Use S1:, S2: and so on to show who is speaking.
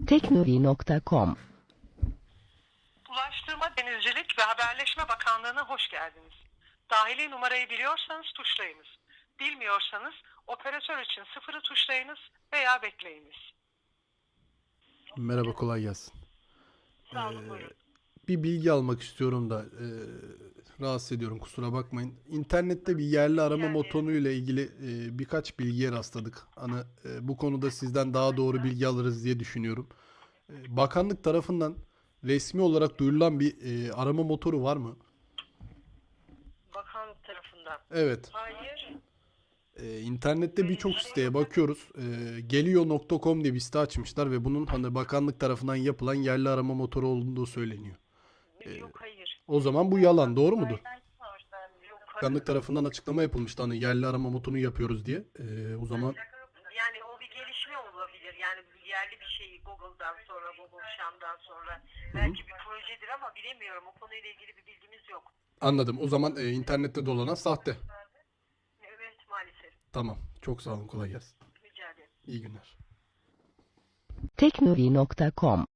S1: Teknovi.com.
S2: Ulaştırma, Denizcilik ve Haberleşme Bakanlığı'na hoş geldiniz. Dahili numarayı biliyorsanız tuşlayınız. Bilmiyorsanız operatör için sıfırı tuşlayınız veya bekleyiniz.
S3: Merhaba, kolay gelsin.
S2: Sağ olun, buyurun.
S3: Bir bilgi almak istiyorum da rahatsız ediyorum, kusura bakmayın. İnternette bir yerli arama motoru ile ilgili birkaç bilgiye rastladık. Hani bu konuda sizden daha doğru bilgi alırız diye düşünüyorum. Bakanlık tarafından resmi olarak duyurulan bir arama motoru var mı?
S2: Bakanlık tarafından.
S3: Evet.
S2: Hayır.
S3: İnternette birçok siteye bakıyoruz. Geliyor.com diye bir site açmışlar ve bunun hani bakanlık tarafından yapılan yerli arama motoru olduğu söyleniyor.
S2: Yok, hayır.
S3: O zaman bu yalan, doğru mudur?
S2: Yok,
S3: Bakanlık tarafından açıklama yapılmıştı hani yerli arama motorunu yapıyoruz diye. O zaman
S2: yani o bir gelişme olabilir. Yani yerli bir şeyi Google'dan sonra, Google Şam'dan sonra belki bir projedir ama bilemiyorum. O konuyla ilgili bir bilgimiz yok.
S3: anladım. O zaman internette dolanan sahte.
S2: Evet, maalesef.
S3: Tamam. Çok sağ olun. Kolay gelsin.
S2: Rica ederim.
S3: İyi günler.
S1: Teknovi.com.